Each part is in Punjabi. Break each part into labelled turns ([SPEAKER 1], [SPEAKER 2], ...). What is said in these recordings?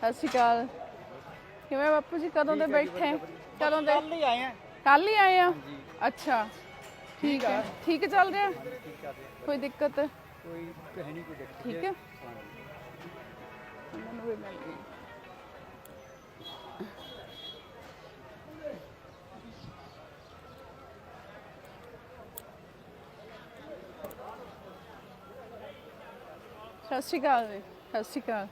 [SPEAKER 1] ਸਤਿ ਸ਼੍ਰੀ ਅਕਾਲ। ਕਿਵੇਂ ਬਾਪੂ ਜੀ, ਕਦੋਂ ਦੇ ਬੈਠੇ? ਕਦੋਂ ਦੇ?
[SPEAKER 2] ਕੱਲ ਹੀ ਆਏ ਆ।
[SPEAKER 1] ਕੱਲ ਹੀ ਆਏ ਆ? ਅੱਛਾ, ਠੀਕ ਹੈ। ਠੀਕ ਚੱਲ ਰਿਹਾ? ਕੋਈ ਦਿੱਕਤ?
[SPEAKER 2] ਕੋਈ ਹੈ ਨਹੀਂ, ਕੋਈ ਦਿੱਕਤ।
[SPEAKER 1] ਠੀਕ ਹੈ, ਮੈਨੂੰ ਵੀ ਮਿਲ ਗਈ। ਸਤਿ ਸ਼੍ਰੀ ਅਕਾਲ ਜੀ। ਸਤਿ ਸ਼੍ਰੀ ਅਕਾਲ।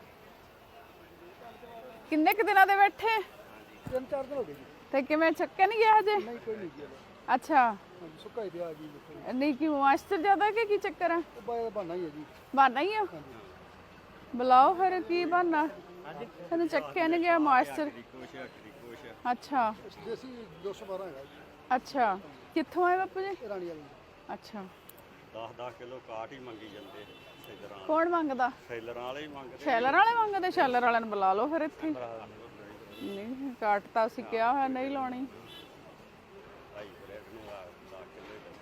[SPEAKER 1] ਕਿੰਨੇ ਕੁ ਦਿਨਾਂ ਦੇ ਬੈਠੇ?
[SPEAKER 2] 3-4 ਦਿਨ ਹੋ ਗਏ ਜੀ।
[SPEAKER 1] ਤੇ ਕਿਵੇਂ ਚੱਕਿਆ ਨਹੀਂ ਗਿਆ ਹਜੇ?
[SPEAKER 2] ਨਹੀਂ, ਕੋਈ ਨਹੀਂ ਗਿਆ।
[SPEAKER 1] ਅੱਛਾ,
[SPEAKER 2] ਹਾਂਜੀ, ਸੁੱਕਾ ਹੀ ਪਿਆ ਜੀ।
[SPEAKER 1] ਨਹੀਂ ਕਿਉਂ, ਮਾਸਟਰ ਜ਼ਿਆਦਾ ਕਿ ਕੀ ਚੱਕਰ ਆ?
[SPEAKER 2] ਉਹ ਬਾਹਰ ਬਹਾਨਾ ਹੀ ਹੈ ਜੀ।
[SPEAKER 1] ਬਹਾਨਾ ਹੀ ਆ? ਬੁਲਾਓ ਫਿਰ, ਕੀ ਬਹਾਨਾ? ਤੈਨੂੰ ਚੱਕਿਆ ਨਹੀਂ ਗਿਆ ਮਾਸਟਰ? ਅੱਛਾ
[SPEAKER 2] ਦੇਸੀ 212 ਹੈਗਾ ਜੀ।
[SPEAKER 1] ਅੱਛਾ, ਕਿੱਥੋਂ ਆਏ ਬਾਪੂ ਜੀ?
[SPEAKER 2] ਰਾਣੀ ਵਾਲੀ।
[SPEAKER 1] ਅੱਛਾ,
[SPEAKER 3] 10-10 ਕਿਲੋ ਕਾਟ ਹੀ ਮੰਗੀ ਜਾਂਦੇ ਸੇਲਰਾਂ।
[SPEAKER 1] ਕੌਣ ਮੰਗਦਾ?
[SPEAKER 3] ਸੇਲਰਾਂ ਵਾਲੇ ਹੀ ਮੰਗਦੇ।
[SPEAKER 1] ਸ਼ੈਲਰ ਵਾਲੇ ਮੰਗਦੇ? ਸ਼ੈਲਰ ਵਾਲਿਆਂ ਨੂੰ ਬੁਲਾ ਲਓ ਫਿਰ ਇੱਥੇ। ਨਹੀਂ, ਕਾਟ ਤਾਂ ਅਸੀਂ ਕਿਹਾ ਹੋਇਆ ਨਹੀਂ ਲਾਉਣੀ।
[SPEAKER 3] ਭਾਈ ਬ੍ਰੈਡ ਨੂੰ 10 ਕਿਲੋ ਹੀ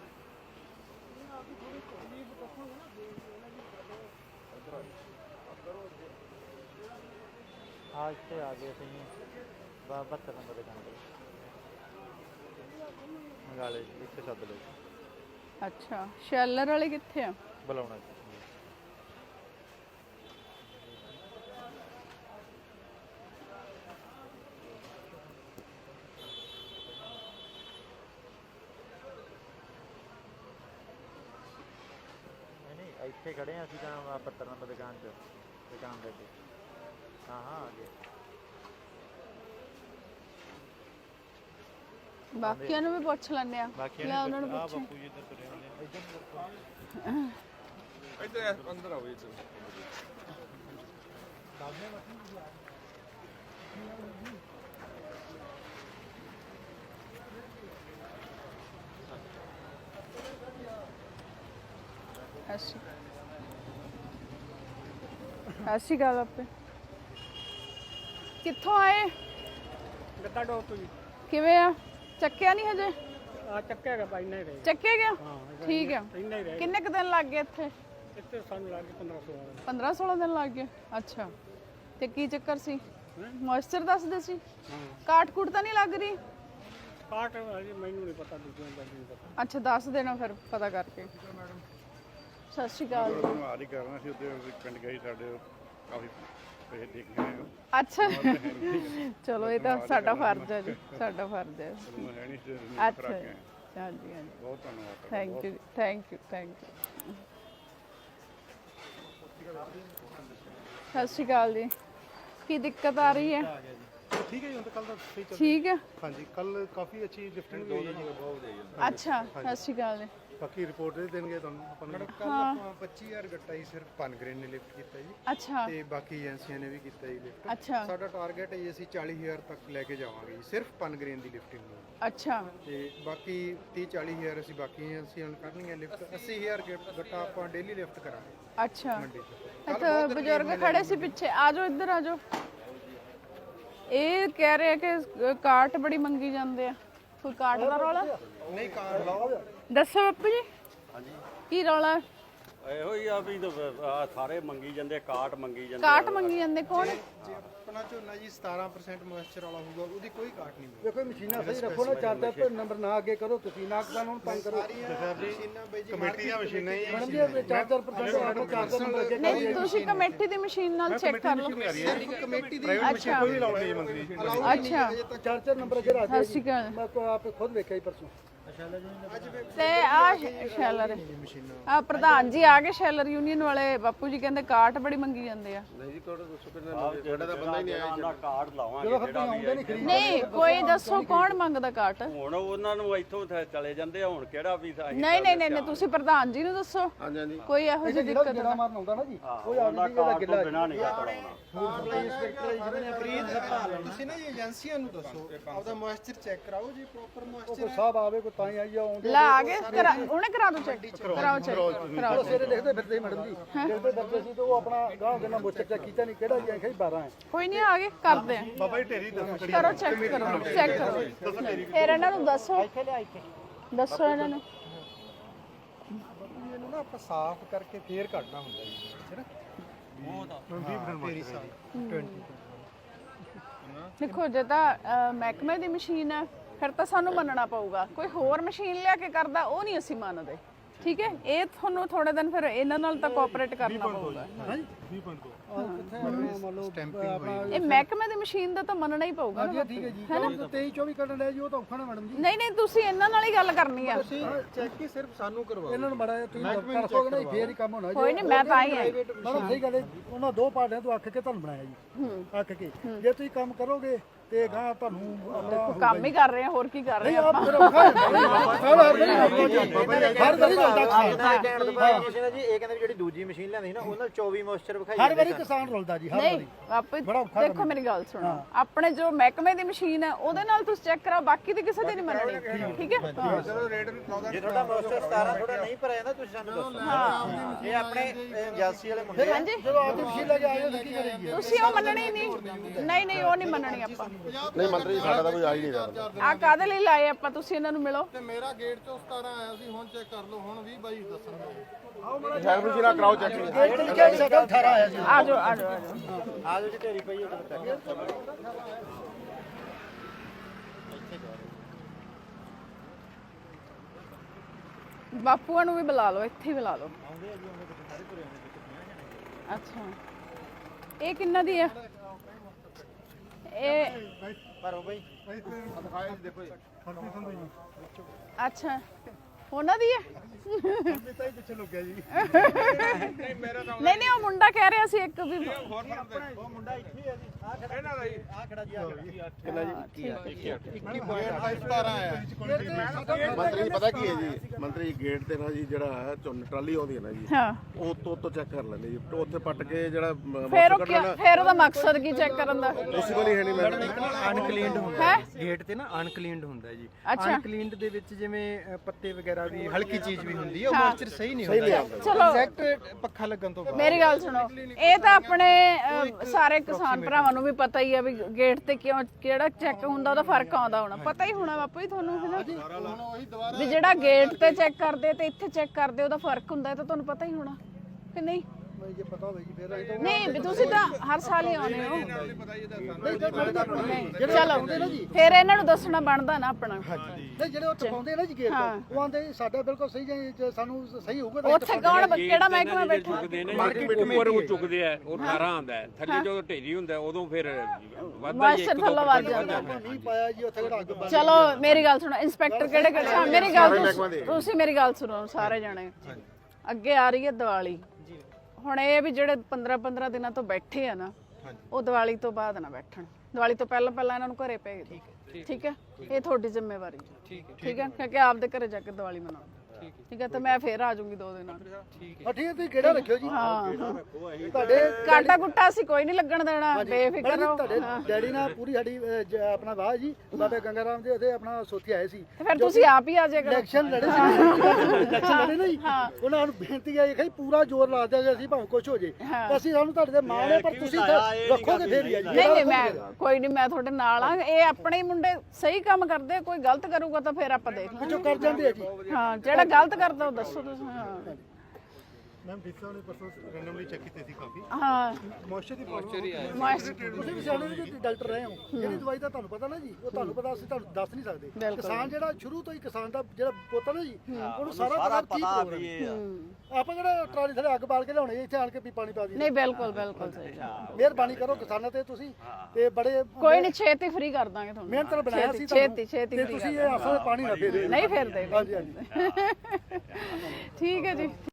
[SPEAKER 4] आज से आ गए थे 72 नंबर दुकान पे मंगा ले इतने सद लो।
[SPEAKER 1] ਅੱਛਾ, ਸ਼ੈਲਰ ਵਾਲੇ ਕਿੱਥੇ ਆ?
[SPEAKER 4] बुलाना नहीं इतने खड़े हैं अभी 72 नंबर दुकान च दुकान दे हाँ हाँ आ गए।
[SPEAKER 1] ਬਾਕੀਆਂ ਨੂੰ ਵੀ ਪੁੱਛ ਲੈਂਦੇ ਆ। ਜਾਂ ਉਹਨਾਂ ਨੂੰ ਪੁੱਛ।
[SPEAKER 4] बापू जी इधर तुरे होंगे
[SPEAKER 5] ਇੱਧਰ ਅੰਦਰ ਆਓ ਜੀ।
[SPEAKER 1] ਸਤਿ ਸ਼੍ਰੀ ਅਕਾਲ ਆਪੇ। ਕਿੱਥੋਂ ਆਏ?
[SPEAKER 2] ਗੱਦਾ ਡੋਪ ਤੋਂ ਜੀ।
[SPEAKER 1] ਕਿਵੇਂ ਆ? ਚੱਕਿਆ ਨਹੀਂ ਹਜੇ?
[SPEAKER 2] ਆ ਚੱਕਿਆ ਹੈਗਾ ਭਾਈ, ਨਹੀਂ ਰਹੇ।
[SPEAKER 1] ਚੱਕਿਆ ਗਿਆ?
[SPEAKER 2] ਹਾਂ,
[SPEAKER 1] ਠੀਕ ਆ।
[SPEAKER 2] ਇੰਨਾ ਹੀ ਰਹੇ।
[SPEAKER 1] ਕਿੰਨੇ ਕੁ ਦਿਨ ਲੱਗ ਗਏ ਇੱਥੇ?
[SPEAKER 2] ਇੱਥੇ ਸਾਨੂੰ ਲੱਗ ਗਏ 15-16 ਦਿਨ।
[SPEAKER 1] 15-16 ਦਿਨ ਲੱਗ ਗਏ? ਅੱਛਾ, ਤੇ ਕੀ ਚੱਕਰ ਸੀ? ਮੋਇਸਚਰ ਦੱਸਦੇ ਸੀ?
[SPEAKER 2] ਹਾਂ,
[SPEAKER 1] ਕਾਟ ਕੂਟ ਤਾਂ ਨਹੀਂ ਲੱਗ ਰਹੀ?
[SPEAKER 2] ਕਾਟ ਹਜੇ ਮੈਨੂੰ ਨਹੀਂ ਪਤਾ, ਦੂਜਿਆਂ ਦਾ ਨਹੀਂ ਪਤਾ।
[SPEAKER 1] ਅੱਛਾ, ਦੱਸ ਦੇਣਾ ਫਿਰ ਪਤਾ ਕਰਕੇ। ਸਤਿ ਸ਼੍ਰੀ ਅਕਾਲ ਜੀ।
[SPEAKER 5] ਹਾਲ ਹੀ ਕਰਨਾ ਸੀ ਉੱਤੇ ਪਿੰਡ ਗਏ ਸਾਡੇ ਕਾਫੀ ਪੈਸੇ ਦੇਖੇ ਨੇ।
[SPEAKER 1] ਅੱਛਾ, ਚਲੋ ਇਹ ਤਾਂ ਸਾਡਾ ਫਰਜ਼ ਹੈ ਜੀ, ਸਾਡਾ ਫਰਜ਼ ਹੈ।
[SPEAKER 5] ਮੈਂ ਹੈ ਨਹੀਂ ਸੀ।
[SPEAKER 1] ਅੱਛਾ ਜੀ, ਹਾਂਜੀ ਹਾਂਜੀ,
[SPEAKER 5] ਬਹੁਤ ਧੰਨਵਾਦ।
[SPEAKER 1] Thank you thank you thank you. ਸਤਿ ਸ਼੍ਰੀ ਅਕਾਲ ਜੀ। ਕੀ ਦਿੱਕਤ ਆ ਰਹੀ ਹੈ?
[SPEAKER 2] ਠੀਕ ਹੈ ਜੀ, ਹੁਣ ਤਾਂ ਕੱਲ ਦਾ ਸਹੀ ਚੱਲ।
[SPEAKER 1] ਠੀਕ ਹੈ।
[SPEAKER 2] ਹਾਂਜੀ, ਕੱਲ ਕਾਫੀ ਅੱਛੀ ਲਿਫਟਿੰਗ ਵੀ ਹੋਈ ਹੈ ਜੀ।
[SPEAKER 1] ਅੱਛਾ, ਸਤਿ ਸ਼੍ਰੀ ਅਕਾਲ ਜੀ।
[SPEAKER 2] ਬਾਕੀ ਰਿਪੋਰਟ ਦੇ ਦੇਣਗੇ ਤੁਹਾਨੂੰ ਆਪਾਂ ਨੂੰ।
[SPEAKER 6] ਕੱਲ ਆਪਾਂ 25000 ਗੱਟਾ ਹੀ ਸਿਰਫ ਪਨਗ੍ਰੇਨ ਨੇ ਲਿਫਟ ਕੀਤਾ ਜੀ,
[SPEAKER 1] ਅੱਛਾ
[SPEAKER 6] ਤੇ ਬਾਕੀ ਏਜੰਸੀਆਂ ਨੇ ਵੀ ਕੀਤਾ ਜੀ ਲਿਫਟ।
[SPEAKER 1] ਅੱਛਾ
[SPEAKER 6] ਸਾਡਾ ਟਾਰਗੇਟ ਹੈ ਜੀ, ਅਸੀਂ 40000 ਤੱਕ ਲੈ ਕੇ ਜਾਵਾਂਗੇ ਜੀ ਸਿਰਫ ਪਨਗ੍ਰੇਨ ਦੀ ਲਿਫਟਿੰਗ ਨੂੰ,
[SPEAKER 1] ਅੱਛਾ
[SPEAKER 6] ਤੇ ਬਾਕੀ 30-40000 ਅਸੀਂ ਬਾਕੀ ਏਜੰਸੀਆਂ ਨੂੰ ਕਰਨੀਆਂ ਲਿਫਟ। 80000 ਗੱਟਾ ਆਪਾਂ ਡੇਲੀ ਲਿਫਟ ਕਰਾਂਗੇ
[SPEAKER 1] ਅੱਛਾ।
[SPEAKER 6] ਮੰਡੀ 'ਚ।
[SPEAKER 1] ਇੱਥੇ ਬਜ਼ੁਰਗ ਖੜੇ ਸੀ ਪਿੱਛੇ, ਆ ਜਾਓ ਇੱਧਰ ਆ ਜਾਓ। ਇਹ ਕਹਿ ਰਹੇ ਆ ਕਿ ਕਾਟ ਬੜੀ ਮੰਗੀ ਜਾਂਦੇ ਆ। ਕੋਈ ਕਾਟ ਦਾ ਰੌਲਾ?
[SPEAKER 6] ਨਹੀਂ ਕਾਰ
[SPEAKER 1] ਦੱਸੋ ਬਾਪੂ ਜੀ, ਕੀ ਰੌਲਾ?
[SPEAKER 3] ਇਹੋ ਹੀ ਆ ਵੀ ਆਹ ਸਾਰੇ ਮੰਗੀ ਜਾਂਦੇ, ਕਾਟ ਮੰਗੀ ਜਾਂਦੇ।
[SPEAKER 1] ਕਾਟ ਮੰਗੀ ਜਾਂਦੇ ਕੌਣ?
[SPEAKER 6] ਜੇ ਆਪਣਾ ਝੋਨਾ ਜੀ 17% ਮੋਇਸਚਰ ਵਾਲਾ ਹੋਊਗਾ, ਉਹਦੀ ਕੋਈ ਕਾਟ ਨਹੀਂ ਮਿਲੇਗੀ।
[SPEAKER 2] ਦੇਖੋ ਮਸ਼ੀਨਾਂ ਸਹੀ ਰੱਖੋ ਨਾ, 4-4 ਨੰਬਰ ਨਾ ਅੱਗੇ ਕਰੋ ਤੁਸੀਂ, ਨਾ ਕਿਸਾਨ ਨੂੰ ਤੰਗ ਕਰੋ।
[SPEAKER 6] ਮਸ਼ੀਨਾਂ ਬਈ ਜੀ ਕਮੇਟੀ ਦੀਆਂ ਮਸ਼ੀਨਾਂ ਹੀ
[SPEAKER 2] ਮੈਡਮ ਜੀ 4-4% ਆਟੋ 4 ਨੰਬਰ ਅੱਗੇ ਕਰੋ।
[SPEAKER 1] ਨਹੀਂ, ਤੁਸੀਂ ਕਮੇਟੀ ਦੀ ਮਸ਼ੀਨ ਨਾਲ ਚੈੱਕ ਕਰ ਲਓ।
[SPEAKER 6] ਕਮੇਟੀ ਦੀ
[SPEAKER 1] ਅੱਛਾ
[SPEAKER 2] ਕੋਈ ਲਾਉਣੀ ਨਹੀਂ ਮੰਗਦੀ।
[SPEAKER 1] ਅੱਛਾ,
[SPEAKER 2] 4-4 ਨੰਬਰ ਅੱਗੇ ਰੱਖ
[SPEAKER 1] ਸਤਿ ਸ਼੍ਰੀ ਅਕਾਲ।
[SPEAKER 2] ਮੈਂ ਕੋ ਆਪੇ ਖੁਦ ਵੇਖਿਆ ਹੀ ਪਰਸੋਂ।
[SPEAKER 1] ਤੇ ਆ ਸ਼ੈਲਰ, ਆ ਪ੍ਰਧਾਨ ਜੀ ਆ ਗਏ ਸ਼ੈਲਰ ਯੂਨੀਅਨ ਵਾਲੇ। ਬਾਪੂ ਜੀ ਕਹਿੰਦੇ ਕਾਟ ਬੜੀ ਮੰਗੀ ਜਾਂਦੇ ਆ।
[SPEAKER 3] ਸਾਡਾ ਤਾਂ ਬੰਦਾ ਹੀ ਨਹੀਂ ਆਇਆ। ਕਾਟ ਲਾਵਾਂਗੇ ਜਿਹੜਾ ਵੀ ਹੈ।
[SPEAKER 1] ਨਹੀਂ, ਕੋਈ ਦੱਸੋ ਕੌਣ ਮੰਗਦਾ ਕਾਟ?
[SPEAKER 3] ਹੁਣ ਉਹਨਾਂ ਨੂੰ ਇੱਥੋਂ ਚਲੇ ਜਾਂਦੇ ਆ, ਹੁਣ ਕਿਹੜਾ ਵੀ ਅਸੀਂ
[SPEAKER 1] ਨਹੀਂ ਨਹੀਂ ਨਹੀਂ, ਤੁਸੀਂ ਪ੍ਰਧਾਨ ਜੀ ਨੂੰ ਦੱਸੋ। ਕੋਈ ਇਹੋ ਜਿਹੀ ਦਿੱਕਤ
[SPEAKER 2] ਜਿਹੜਾ
[SPEAKER 1] ਨਾ।
[SPEAKER 2] ਮਾਰਨ ਆਉਂਦਾ ਨਾ ਜੀ, ਕੋਈ
[SPEAKER 3] ਉਹਦਾ
[SPEAKER 2] ਆਦਮੀ ਜਿਹੜਾ
[SPEAKER 3] ਕਾਟ ਤੋਂ ਬਿਨਾਂ ਨਹੀਂ ਕਰਾਉਣਾ।
[SPEAKER 6] ਤੁਸੀਂ ਨਾ ਜੀ ਏਜੰਸੀਆਂ ਨੂੰ ਦੱਸੋ, ਆਪਦਾ ਮੋਇਸਚਰ ਚੈੱਕ ਕਰਾਓ ਜੀ, ਪ੍ਰੋਪਰ ਮੋਇਸਚਰ
[SPEAKER 2] ਕੋਈ ਸਾਹਿਬ ਆਵੇ ਕੋਈ ਤਾਂ ਹੀ ਆਈ ਆਉਂਦੇ।
[SPEAKER 1] ਲਾ ਆ ਗਏ, ਉਹਨੇ ਕਰਾ ਦੋ ਚੈੱਕ, ਕਰਾਓ ਚੈੱਕ, ਕਰਾਓ
[SPEAKER 2] ਸਵੇਰੇ ਲਿਖਦੇ ਫਿਰਦੇ ਸੀ ਮੈਡਮ ਜੀ, ਲਿਖਦੇ ਫਿਰਦੇ ਸੀ ਤੇ ਉਹ ਆਪਣਾ ਗਾਂਹ ਦੇ ਨਾਲ ਮੋਚਰ ਚੈੱਕ ਕੀਤਾ ਨਹੀਂ, ਕਿਹੜਾ ਜੀ ਆਖਿਆ 12 ਹੈ।
[SPEAKER 1] ਕੋਈ ਨਹੀਂ, ਆ ਗਏ ਕਰਦੇ ਆ।
[SPEAKER 2] ਬਾਬਾ ਜੀ ਢੇਰੀ ਦੱਸੋ
[SPEAKER 1] ਕਰੋ ਚੈੱਕ, ਕਰੋ ਚੈੱਕ ਕਰੋ। ਫਿਰ ਇਹਨਾਂ ਨੂੰ ਦੱਸੋ, ਦੱਸੋ ਇਹਨਾਂ ਨੂੰ।
[SPEAKER 6] ਇਹਨੂੰ ਨਾ ਆਪਾਂ ਸਾਫ਼ ਕਰਕੇ ਫੇਰ ਕੱਢਣਾ ਹੁੰਦਾ ਜੀ, ਹੈ ਨਾ। ਉਹ ਤਾਂ 20% 20
[SPEAKER 1] ਦੇਖੋ ਜੇ ਤਾਂ ਮਹਿਕਮੇ ਦੀ ਮਸ਼ੀਨ ਹੈ ਫਿਰ ਤਾਂ ਸਾਨੂੰ ਮੰਨਣਾ ਪਊਗਾ। ਕੋਈ ਹੋਰ ਮਸ਼ੀਨ ਲਿਆ ਕੇ ਕਰਦਾ ਉਹ ਨਹੀਂ ਅਸੀਂ ਮੰਨਦੇ। ਠੀਕ ਹੈ, ਇਹ ਤੁਹਾਨੂੰ ਥੋੜੇ ਦਿਨ ਫਿਰ ਇਹਨਾਂ ਨਾਲ ਤਾਂ ਕੋਆਪਰੇਟ ਕਰਨਾ ਪਊਗਾ। ਇਹ ਮਹਿਕਮੇ ਦੀ ਮਸ਼ੀਨ ਦਾ ਤਾਂ ਮੰਨਣਾ ਹੀ ਪਊਗਾ ਨਾ।
[SPEAKER 2] ਠੀਕ ਹੈ ਜੀ 23-24 ਕੱਢਣ ਲਿਆ ਜੀ ਉਹ ਤਾਂ ਔਖਾ ਨਾ ਮੈਡਮ ਜੀ।
[SPEAKER 1] ਨਹੀਂ ਤੁਸੀਂ ਇਹਨਾਂ ਨਾਲ ਹੀ ਗੱਲ ਕਰਨੀ ਆ।
[SPEAKER 6] ਚੈੱਕ ਹੀ ਸਿਰਫ ਸਾਨੂੰ ਕਰਵਾਓ।
[SPEAKER 2] ਇਹਨਾਂ ਨੂੰ ਬੜਾ ਤੁਸੀਂ ਕਰੋਗੇ ਨਾ ਫੇਰ ਹੀ ਕੰਮ ਹੋਣਾ ਜੀ।
[SPEAKER 1] ਕੋਈ ਨਹੀਂ, ਮੈਂ ਤਾਂ ਹੀ ਹੈ।
[SPEAKER 2] ਮੈਡਮ ਸਹੀ ਗੱਲ ਹੈ, ਉਹਨਾਂ ਦੋ ਪਾਰਟੀਆਂ ਤੋਂ ਅੱਕ ਕੇ ਤੁਹਾਨੂੰ ਬਣਾਇਆ ਜੀ। ਅੱਕ ਕੇ ਜੇ ਤੁਸੀਂ ਕੰਮ ਕਰੋਗੇ ਤੇ ਗਾਂ ਤੁਹਾਨੂੰ ਆਪਣਾ
[SPEAKER 1] ਕੰਮ ਹੀ ਕਰ ਰਹੇ ਆ, ਹੋਰ ਕੀ ਕਰ ਰਹੇ ਆ
[SPEAKER 2] ਆਪ ਫਿਰ ਔਖਾ ਹਰ ਵਾਰੀ
[SPEAKER 4] ਜੀ ਇਹ ਕਹਿੰਦੇ ਜਿਹੜੀ ਦੂਜੀ ਮਸ਼ੀਨ ਲਿਆਂਦੀ ਸੀ ਨਾ ਉਹਨਾਂ 24 ਮੋਇਸਚਰ ਵਿਖਾਈ
[SPEAKER 2] ਹਰ ਵਾਰੀ ਕਿਸਾਨ ਰੁਲਦਾ ਜੀ। ਹਰ
[SPEAKER 1] ਨਹੀਂ
[SPEAKER 2] ਵਾਰੀ
[SPEAKER 1] ਆਪੇ ਦੇਖੋ ਮੇਰੀ ਗੱਲ ਸੁਣੋ, ਆਪਣੇ ਜੋ ਮਹਿਕਮੇ ਦੀ ਮਸ਼ੀਨ ਹੈ ਉਹਦੇ ਨਾਲ ਤੁਸੀਂ ਚੈੱਕ ਕਰਾਓ, ਬਾਕੀ ਤੇ ਕਿਸੇ ਦੀ ਨਹੀਂ ਮੰਨਣੀ। ਠੀਕ ਹੈ,
[SPEAKER 4] ਜੇ ਤੁਹਾਡਾ ਮੋਇਸਚਰ 17 ਥੋੜਾ ਨਹੀਂ ਭਰਿਆ ਜਾਂਦਾ ਤੁਸੀਂ ਸਾਨੂੰ ਦੱਸੋ। ਇਹ ਆਪਣੇ ਏਜੰਸੀ ਵਾਲੇ ਮੁੰਡੇ ਆ।
[SPEAKER 1] ਹਾਂਜੀ
[SPEAKER 2] ਜਦੋਂ ਆਪਦੀ ਮਸ਼ੀਨ ਲੈ ਕੇ ਆਏ ਹੋ ਕੀ ਕਰੇਗੀ?
[SPEAKER 1] ਤੁਸੀਂ ਉਹ ਮੰਨਣੀ ਨਹੀਂ ਉਹ ਨਹੀਂ ਮੰਨਣੀ ਆਪਾਂ।
[SPEAKER 3] ਨਹੀਂ ਮੰਤਰੀ ਸਾਡਾ ਤਾਂ ਕੋਈ ਆ ਹੀ ਨਹੀਂ ਰਿਹਾ।
[SPEAKER 1] ਆ ਕਾਦੇ ਲਈ ਲਾਏ ਆਪਾਂ, ਤੁਸੀਂ ਇਹਨਾਂ ਨੂੰ ਮਿਲੋ।
[SPEAKER 6] ਤੇ ਮੇਰਾ ਗੇਟ ਤੋਂ 17 ਆਇਆ ਸੀ, ਹੁਣ ਚੈੱਕ ਕਰ ਲਓ, ਹੁਣ 20 22 ਦੱਸਣਗੇ।
[SPEAKER 3] ਸ਼ਾਇਦ ਤੁਸੀਂ ਨਾ ਕਰਾਓ ਚੈੱਕ।
[SPEAKER 2] ਗੇਟ ਤੋਂ ਲਿਖਿਆ ਸਾਡਾ 18 ਆਇਆ ਜੀ।
[SPEAKER 1] ਆ ਜਾਓ
[SPEAKER 4] ਆ ਜਾਓ ਜੀ ਢੇਰੀ ਪਈ ਉੱਧਰ ਤੱਕ।
[SPEAKER 1] ਬਾਪੂਆਂ ਨੂੰ ਵੀ ਬੁਲਾ ਲਓ, ਇੱਥੇ ਹੀ ਬੁਲਾ ਲਓ। ਅੱਛਾ ਇਹ ਕਿੰਨਾ ਦੀ ਹੈ? ਇਹ
[SPEAKER 4] ਭਰੋ ਬਈ।
[SPEAKER 3] ਦੇਖੋ ਜੀ
[SPEAKER 1] ਅੱਛਾ ਉਹਨਾਂ ਦੀ ਹੈ।
[SPEAKER 2] ਪਿੱਛੇ ਲੁਕ ਗਿਆ ਜੀ।
[SPEAKER 1] ਨਹੀਂ ਉਹ ਮੁੰਡਾ ਕਹਿ ਰਿਹਾ ਸੀ ਇੱਕ ਵੀ।
[SPEAKER 4] ਉਹ ਮੁੰਡਾ ਇੱਥੇ ਹੈ ਜੀ। ਆ ਖੜਾ ਇਹਨਾਂ ਦਾ ਜੀ। ਆ ਖੜਾ ਜੀ।
[SPEAKER 3] ਕਿੰਨਾ ਜੀ?
[SPEAKER 6] 17 ਆਇਆ।
[SPEAKER 3] ਮੰਤਰੀ ਪਤਾ ਕੀ ਹੈ ਜੀ, ਮੰਤਰੀ ਗੇਟ ਤੇ ਨਾ ਜੀ ਜਿਹੜਾ ਟਰਾਲੀ ਆਉਂਦੀ ਹੈ ਨਾ ਜੀ,
[SPEAKER 1] ਹਾਂ
[SPEAKER 3] ਉਹ ਤੋਂ ਚੈੱਕ ਕਰ ਲੈਂਦੇ ਜੀ। ਉੱਥੇ ਪੱਟ ਕੇ ਜਿਹੜਾ
[SPEAKER 1] ਫਿਰ ਉਹ ਫਿਰ ਉਹਦਾ ਮਕਸਦ ਕੀ ਚੈੱਕ ਕਰਨ ਦਾ?
[SPEAKER 3] ਪੋਸੀਬਲ ਹੀ ਹੈ ਨਹੀਂ ਮੈਡਮ।
[SPEAKER 6] ਅਨਕਲੀਨਡ ਹੁੰਦਾ
[SPEAKER 1] ਹੈ
[SPEAKER 6] ਗੇਟ ਤੇ ਨਾ, ਅਨਕਲੀਨਡ ਹੁੰਦਾ ਜੀ।
[SPEAKER 1] ਅੱਛਾ।
[SPEAKER 6] ਅਨਕਲੀਨਡ ਦੇ ਵਿੱਚ ਜਿਵੇਂ ਪੱਤੇ ਵਗੈਰਾ ਵੀ ਹਲਕੀ ਚੀਜ਼ ਵੀ ਹੁੰਦੀ ਹੈ, ਉਹ ਮੋਇਸਚਰ ਸਹੀ ਨਹੀਂ ਹੁੰਦਾ।
[SPEAKER 1] ਚਲੋ
[SPEAKER 6] ਐਗਜ਼ੈਕਟ ਪੱਖਾ ਲੱਗਣ ਤੋਂ ਬਾਅਦ
[SPEAKER 1] ਮੇਰੀ ਗੱਲ ਸੁਣੋ, ਇਹ ਤਾਂ ਆਪਣੇ ਸਾਰੇ ਕਿਸਾਨ ਭਰਾਵਾਂ ਨੂੰ ਵੀ ਪਤਾ ਹੀ ਆ ਵੀ ਗੇਟ ਤੇ ਕਿਹੜਾ ਚੈੱਕ ਹੁੰਦਾ, ਉਹਦਾ ਫਰਕ ਆਉਂਦਾ ਹੋਣਾ। ਪਤਾ ਹੀ ਹੋਣਾ ਬਾਪੂ ਜੀ ਤੁਹਾਨੂੰ, ਹੈ ਨਾ? ਵੀ ਜਿਹੜਾ ਗੇਟ ਤੇ ਚੈੱਕ ਕਰਦੇ ਤੇ ਇੱਥੇ ਚੈੱਕ ਕਰਦੇ ਉਹਦਾ ਫਰਕ ਹੁੰਦਾ, ਇਹ ਤਾਂ ਤੁਹਾਨੂੰ ਪਤਾ ਹੀ ਹੋਣਾ ਕਿ ਨਹੀਂ?
[SPEAKER 2] ਜੇ ਪਤਾ ਹੋਵੇ ਜੀ ਫਿਰ ਅਸੀਂ
[SPEAKER 1] ਨਹੀਂ ਵੀ ਤੁਸੀਂ ਤਾਂ ਹਰ ਸਾਲ ਹੀ ਆਉਂਦੇ ਹੋ। ਚਲੋ ਫਿਰ ਇਹਨਾਂ ਨੂੰ ਦੱਸਣਾ ਬਣਦਾ ਨਾ ਆਪਣਾ।
[SPEAKER 2] ਨਹੀਂ ਜਿਹੜੇ ਉਹ ਟਪਾਉਂਦੇ ਨਾ ਜੀ ਗੇਟ ਤੋਂ, ਉਹ ਆਂਦੇ ਸਾਡਾ ਬਿਲਕੁਲ ਸਹੀ ਜੇ ਸਾਨੂੰ ਸਹੀ ਹੋਊਗਾ ਤਾਂ
[SPEAKER 1] ਉੱਥੇ ਕੌਣ ਕਿਹੜਾ ਮਹਿਕਮਾ ਬੈਠਾ?
[SPEAKER 7] ਉੱਪਰ ਉਹ ਚੁੱਕਦੇ ਆ, ਉਹ 18 ਆਉਂਦਾ ਹੈ, ਥੱਲੇ ਜਦੋਂ ਢੇਰੀ ਹੁੰਦਾ ਉਦੋਂ ਫਿਰ ਵੱਧਦਾ ਹੀ
[SPEAKER 1] ਮਾਸਟਰ ਥੱਲੋਂ ਵੱਜ ਜਾਂਦਾ।
[SPEAKER 2] ਨਹੀਂ ਪਾਇਆ ਜੀ ਉੱਥੇ ਕਿਹੜਾ ਅੱਗ
[SPEAKER 1] ਚਲੋ ਮੇਰੀ ਗੱਲ ਸੁਣੋ, ਇੰਸਪੈਕਟਰ ਕਿਹੜੇ ਮੇਰੀ ਗੱਲ ਤੁਸੀਂ ਮੇਰੀ ਗੱਲ ਸੁਣੋ ਸਾਰੇ ਜਣੇ। ਅੱਗੇ ਆ ਰਹੀ ਹੈ ਦੀਵਾਲੀ। ਹੁਣ ਇਹ ਵੀ ਜਿਹੜੇ 15 ਦਿਨਾਂ ਤੋਂ ਬੈਠੇ ਆ ਨਾ, ਉਹ ਦੀਵਾਲੀ ਤੋਂ ਬਾਅਦ ਨਾ ਬੈਠਣ। ਦੀਵਾਲੀ ਤੋਂ ਪਹਿਲਾਂ ਇਹਨਾਂ ਨੂੰ ਘਰੇ ਭੇਜ ਦਿਓ। ਠੀਕ ਹੈ, ਇਹ ਤੁਹਾਡੀ ਜ਼ਿੰਮੇਵਾਰੀ ਹੈ। ਠੀਕ ਹੈ, ਕਿਉਂਕਿ ਆਪਦੇ ਘਰੇ ਜਾ ਕੇ ਦੀਵਾਲੀ ਮਨਾਓ। ਠੀਕ ਹੈ, ਤੇ ਮੈਂ ਫੇਰ ਆ ਜਾਊਂਗੀ 2 ਦਿਨਾਂ ਨੂੰ।
[SPEAKER 2] ਠੀਕ ਹੈ, ਤੁਸੀਂ ਕਿਹੜਾ ਰੱਖਿਓ ਜੀ?
[SPEAKER 1] ਹਾਂ
[SPEAKER 2] ਤੁਹਾਡੇ
[SPEAKER 1] ਕਾਟਾ ਕੁੱਟਾ ਅਸੀਂ ਕੋਈ ਨਹੀਂ ਲੱਗਣ ਦੇਣਾ, ਬੇਫਿਕਰ ਰਹੋ।
[SPEAKER 2] ਤੁਹਾਡੇ ਡੈਡੀ ਨਾਲ ਪੂਰੀ ਸਾਡੀ ਆਪਣਾ ਵਾਹ ਜੀ, ਬਾਬੇ ਗੰਗਾ ਰਾਮ ਦੇ ਉੱਥੇ ਆਪਣਾ ਸੋਥੀ ਆਏ ਸੀ।
[SPEAKER 1] ਤੇ ਫਿਰ ਤੁਸੀਂ ਆਪ ਹੀ ਆ ਜਾਇਆ ਕਰੋ।
[SPEAKER 2] ਇਲੈਕਸ਼ਨ ਲੜੇ ਸੀ, ਇਲੈਕਸ਼ਨ ਲੜੇ ਨਾ ਜੀ। ਉਹਨਾਂ ਨੂੰ ਬੇਨਤੀ ਹੈ ਕਿ ਪੂਰਾ ਜ਼ੋਰ ਲਾ ਦਿਆ ਅਸੀਂ ਭਾਵੇਂ ਕੁਝ ਹੋ ਜੇ, ਅਸੀਂ ਸਾਨੂੰ ਤੁਹਾਡੇ ਤੇ ਮਾਣ ਹੈ, ਪਰ ਤੁਸੀਂ ਰੱਖੋਗੇ ਫੇਰ ਹੀ ਆ ਜੀ।
[SPEAKER 1] ਨਹੀਂ ਮੈਂ ਕੋਈ ਨਹੀਂ, ਮੈਂ ਤੁਹਾਡੇ ਨਾਲ ਆ। ਇਹ ਆਪਣੇ ਹੀ ਮੁੰਡੇ ਸਹੀ ਕੰਮ ਕਰਦੇ, ਕੋਈ ਗਲਤ ਕਰੂਗਾ ਤਾਂ ਫਿਰ ਆਪਾਂ ਦੇਖ ਲਾਂਗੇ।
[SPEAKER 2] ਜੋ ਕਰ ਜਾਂਦੇ ਆ ਜੀ।
[SPEAKER 1] ਹਾਂ ਜਿਹੜਾ ਗਲਤ ਕਰਦਾ ਉਹ ਦੱਸੋ ਤੁਸੀਂ। ਹਾਂ
[SPEAKER 2] ਮੈਮ ਡੀਸਾ ਨੇ ਪਰਸੋਂ ਰੈਂਡਮਲੀ ਚੈੱਕ ਕੀਤੇ ਸੀ ਕਾਫੀ
[SPEAKER 1] ਹਾਂ
[SPEAKER 2] ਮੋਇਸਚਰ ਦੀ ਪ੍ਰੋਬਲਮ ਹੈ।
[SPEAKER 1] ਮਾਸਟਰ
[SPEAKER 2] ਤੁਸੀਂ ਵੀ ਸਿਆਣੇ ਜੀ ਡਾਕਟਰ ਰਹੇ ਹੋ, ਜਿਹੜੀ ਦਵਾਈ ਦਾ ਤੁਹਾਨੂੰ ਪਤਾ ਨਾ ਜੀ, ਉਹ ਤੁਹਾਨੂੰ ਪਤਾ, ਅਸੀਂ ਤੁਹਾਨੂੰ ਦੱਸ ਨਹੀਂ ਸਕਦੇ। ਕਿਸਾਨ ਜਿਹੜਾ ਸ਼ੁਰੂ ਤੋਂ ਹੀ ਕਿਸਾਨ ਦਾ ਜਿਹੜਾ ਪੁੱਤ ਨਾ ਜੀ, ਉਹਨੂੰ ਸਾਰਾ ਪਤਾ ਕੀ ਪ੍ਰੋਗਰਾਮ ਹੈ। ਆਪਾਂ ਜਿਹੜਾ ਟਰਾਲੀ ਥੱਲੇ ਅੱਗ ਬਾਲ ਕੇ ਲਿਆਉਣੇ, ਇੱਥੇ ਆਣ ਕੇ ਵੀ ਪਾਣੀ ਪਾ ਦਈਏ।
[SPEAKER 1] ਨਹੀਂ ਬਿਲਕੁਲ ਸਹੀ।
[SPEAKER 2] ਮਿਹਰਬਾਨੀ ਕਰੋ ਕਿਸਾਨਾਂ ਤੇ ਤੁਸੀਂ, ਤੇ ਬੜੇ
[SPEAKER 1] ਕੋਈ ਨਹੀਂ, ਛੇਤੀ ਫ੍ਰੀ ਕਰ ਦਾਂਗੇ ਤੁਹਾਨੂੰ।
[SPEAKER 2] ਮਿਹਨਤ ਨਾਲ ਬਣਾਇਆ ਸੀ
[SPEAKER 1] ਛੇਤੀ
[SPEAKER 2] ਤੇ ਤੁਸੀਂ ਇਹ ਆਸਾਂ ਪਾਣੀ ਨਾ ਫੇਰੇ।
[SPEAKER 1] ਨਹੀਂ ਫੇਰਦੇ।
[SPEAKER 2] ਹਾਂਜੀ ਹਾਂਜੀ
[SPEAKER 1] ਠੀਕ ਹੈ ਜੀ।